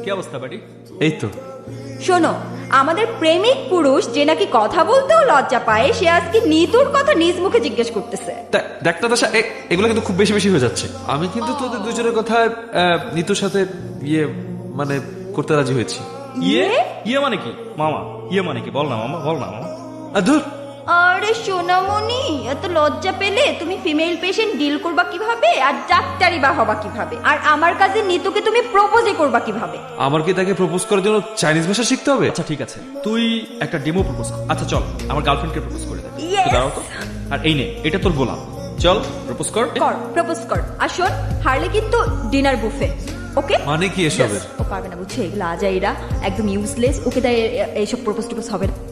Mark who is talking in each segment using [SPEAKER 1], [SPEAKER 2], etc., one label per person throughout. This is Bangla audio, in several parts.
[SPEAKER 1] কি অবস্থা বাড়ি?
[SPEAKER 2] এই তো।
[SPEAKER 3] শোনো, আমাদের প্রেমিক পুরুষ যে নাকি কথা বলতেও লজ্জা পায়, সে আজকে নিতুর কথা নিজ মুখে জিজ্ঞেস করতেছে।
[SPEAKER 2] দেখ নাতাশা, এগুলো কিন্তু খুব বেশি বেশি হয়ে যাচ্ছে। আমি কিন্তু তোদের দুজনের কথা নিতুর সাথে মানে করতে রাজি হয়েছি।
[SPEAKER 1] ইয়ে মানে কি মামা? ইয়ে মানে কি? বল না মামা, বল না মামা।
[SPEAKER 2] ধুর,
[SPEAKER 3] আরে সোনামণি, এত লজ্জা পেলে তুমি ফিমেল পেশেন্ট ডিল করবা কিভাবে, আর ডাক্তারি বা হবা কিভাবে, আর আমার কাছে নিতুকে তুমি প্রপোজই করবা কিভাবে?
[SPEAKER 2] আমার কি তাকে প্রপোজ করার জন্য চাইনিজ ভাষা শিখতে হবে?
[SPEAKER 1] আচ্ছা ঠিক আছে, তুই একটা ডেমো প্রপোজ কর। আচ্ছা চল, আমার গার্লফ্রেন্ডকে প্রপোজ করে দে।
[SPEAKER 3] Yes!
[SPEAKER 1] দাঁড়াও তো। আর এই নে, এটা তোর গোলাম। চল প্রপোজ কর।
[SPEAKER 3] কর, প্রপোজ কর। আর শোন, হারলে কিন্তু ডিনার বুফে। ওকে?
[SPEAKER 2] মানে কি এসবের?
[SPEAKER 3] ও পারবে না, বুঝছে? এগুলো আজাইরা, একদম ইউজলেস। ওকে তাই এইসব প্রপোজ টপোজ হবে না।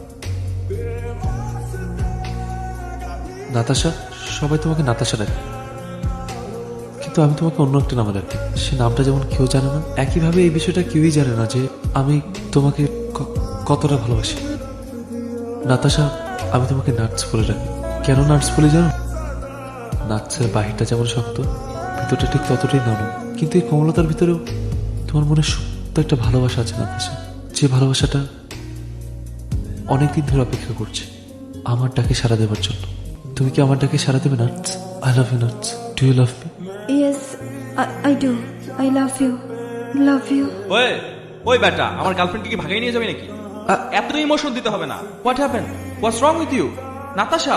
[SPEAKER 2] নাতাশা, সবাই তোমাকে নাতাশা ডাকে, কিন্তু আমি তোমাকে অন্য একটা নামে ডাকি। সে নামটা যেমন কেউ জানে না, একইভাবে এই বিষয়টা কেউই জানে না যে আমি তোমাকে কতটা ভালোবাসি। নাতাশা, আমি তোমাকে নাটস বলে ডাকি। কেন নাটস বলে জানো? নাটসের বাহিরটা যেমন শক্ত, ভিতরটা ঠিক ততটাই নরম। কিন্তু এই কোমলতার ভিতরেও তোমার মনে সত্য একটা ভালোবাসা আছে নাতাশা, যে ভালোবাসাটা অনেকদিন ধরে অপেক্ষা করছে আমার ডাকে সাড়া দেওয়ার জন্য। তুমি কি আমার ডাকে সাড়া দেবে nuts? I love you nuts. Do you love me?
[SPEAKER 3] Yes, I do. I love you, love you.
[SPEAKER 1] ওই বেটা, আমার গার্লফ্রেন্ডকে কি ভাগাই নিয়ে যাবে নাকি? এত ইমোশন দিতে হবে না। What happen? What's wrong with you Natasha?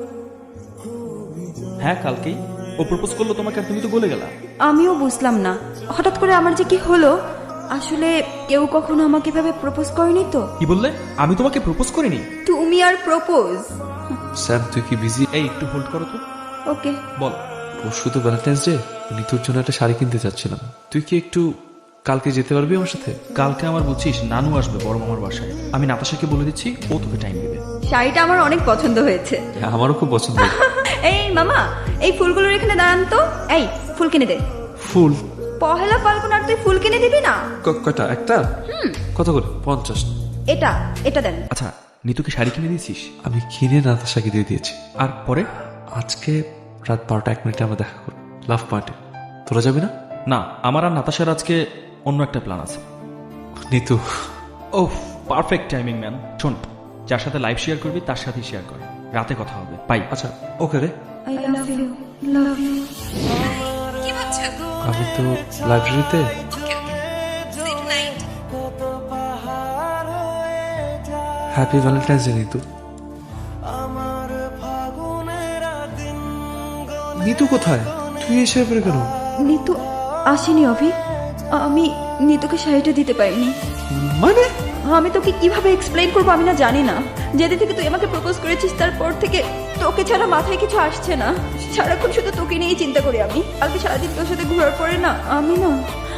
[SPEAKER 1] হ্যাঁ, কালকেই ও প্রপোজ করলো তোমাকে, আর তুমি তো গলে গেলা।
[SPEAKER 3] আমিও বুঝলাম না হঠাৎ করে আমার যে কি হলো। আসলে কেউ কখনো আমাকে এভাবে প্রপোজ করেনি তো।
[SPEAKER 1] কি বললে? আমি তোমাকে প্রপোজ করিনি?
[SPEAKER 3] তুমি আর প্রপোজ?
[SPEAKER 2] স্যাম, তুই কি বিজি?
[SPEAKER 1] এই একটু হোল্ড করো তো।
[SPEAKER 3] ওকে,
[SPEAKER 1] বল।
[SPEAKER 2] পরশু তো ভ্যালেন্টাইন্স ডে, নিতুর জন্য একটা শাড়ি কিনতে চাচ্ছিলাম। তুই কি একটু কালকে যেতে পারবি আমার সাথে?
[SPEAKER 1] কালকে আমার বুঝছিস নানু আসবে বড় মামার বাসায়। আমি নাতাশাকে বলে দিচ্ছি, ও তোকে টাইম দিবে।
[SPEAKER 3] শাড়িটা আমার অনেক পছন্দ হয়েছে।
[SPEAKER 2] আমারও খুব পছন্দ।
[SPEAKER 3] এই মামা, এই ফুলগুলোর এখানে দাঁড়ান তো। এই ফুল কিনে দে।
[SPEAKER 2] ফুল?
[SPEAKER 3] পহেলা ফাল্গুন আর তুই ফুল কিনে দিবি না?
[SPEAKER 2] কয়টা? একটা? কত করে? 50।
[SPEAKER 3] এটা এটা দেন।
[SPEAKER 1] আচ্ছা, নিতুকে শাড়ি কিনে দিয়েছিস?
[SPEAKER 2] আমি কিনে নাতাশাকে দিয়ে দিয়েছি।
[SPEAKER 1] আর পরে?
[SPEAKER 2] আজকে রাত 12টা 1 মিনিটে আমরা দেখা করব, লাভ পার্টি। তোরা যাবি না?
[SPEAKER 1] না, আমার আর নাতাশার আজকে অন্য একটা প্ল্যান আছে।
[SPEAKER 2] নিতু।
[SPEAKER 1] ও পারফেক্ট টাইমিং ম্যান। শোন, যার সাথে লাইভ শেয়ার করবি তার সাথেই শেয়ার কর, রাতে কথা হবে। বাই।
[SPEAKER 2] আচ্ছা, ওকে রে।
[SPEAKER 3] I love you, love you.
[SPEAKER 4] কি ভাবছো?
[SPEAKER 2] আমি তো লাইব্রেরিতে। Happy valentine's day Nitu. Nitu কোথায়? তুই এসে পড়ে কেন?
[SPEAKER 3] নিতু আসেনি অভি। আমি নিতুকে শাড়িটা দিতে পারিনি।
[SPEAKER 2] মানে?
[SPEAKER 3] আমি তোকে কিভাবে এক্সপ্লেইন করবো আমি না জানি না। যেদিন থেকে তুই আমাকে প্রপোজ করেছিস তারপর থেকে তোকে ছাড়া মাথায় কিছু আসছে না। সারাক্ষণ শুধু তোকে নিয়েই চিন্তা করি আমি। কালকে সারাদিন তোর সাথে ঘোরার পরে না আমি না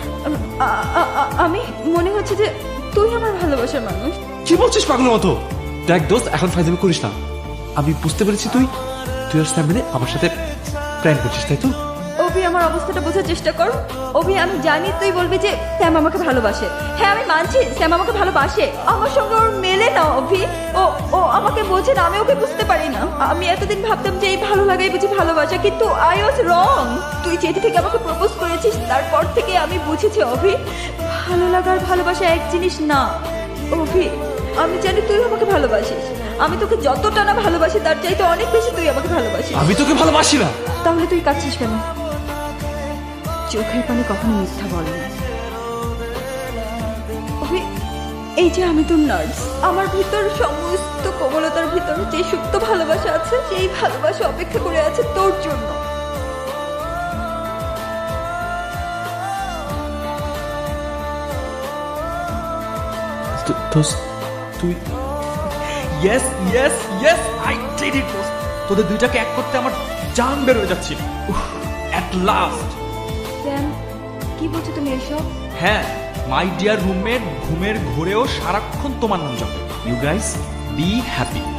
[SPEAKER 3] আমি মনে হচ্ছে যে তুই আমার ভালোবাসার মানুষ।
[SPEAKER 2] কি বলছিস পাগলের মতো? দেখ দোস্ত, এখন ফাইজলামি করিস না। আমি বুঝতে পেরেছি তুই আর স্যাম মিলে আমার সাথে প্ল্যান করছিস, তাই তো?
[SPEAKER 3] অভি, আমার অবস্থাটা বোঝার চেষ্টা কর। অভি, আমি জানি তুই বলবি যে স্যাম আমাকে ভালোবাসে। হ্যাঁ, আমি মানছি স্যাম আমাকে ভালোবাসে। আমার সঙ্গে ওর মেলে না অভি। ও আমাকে বোঝে না, আমি ওকে বুঝতে পারি না। আমি এতদিন ভাবতাম যে এই ভালো লাগাই বুঝি ভালোবাসা, কিন্তু আই ওয়াজ রং। তুই যেটি থেকে আমাকে প্রপোজ করেছিস তারপর থেকে আমি বুঝেছি অভি, ভালো লাগার ভালোবাসা এক জিনিস না। অভি, আমি জানি তুই আমাকে ভালোবাসিস। আমি তোকে যতটা না ভালোবাসি তার চাইতে অনেক বেশি তুই আমাকে ভালোবাসিস।
[SPEAKER 2] আমি তোকে ভালোবাসি না।
[SPEAKER 3] তাহলে তুই কাঁদছিস কেন? চোখের পানি কখনো মিথ্যা বলে না। এই যে আমি তোর নার্স, আমার ভিতর সমস্ত কোমলতার ভিতর যে সুপ্ত ভালোবাসা আছে, সেই ভালোবাসা অপেক্ষা করে আছে তোর জন্য।
[SPEAKER 2] তুই
[SPEAKER 1] yes yes yes, I did it দোস্ত। তোদের দুইটাকে এক করতে আমার জান বের হয়ে যাচ্ছিল। At last.
[SPEAKER 3] স্যাম, কি বলছো তুমি এসব?
[SPEAKER 1] হ্যাঁ, মাই ডিয়ার রুমমেট ঘুমের ঘোরেও সারাক্ষণ তোমার নাম জপে। You guys be happy.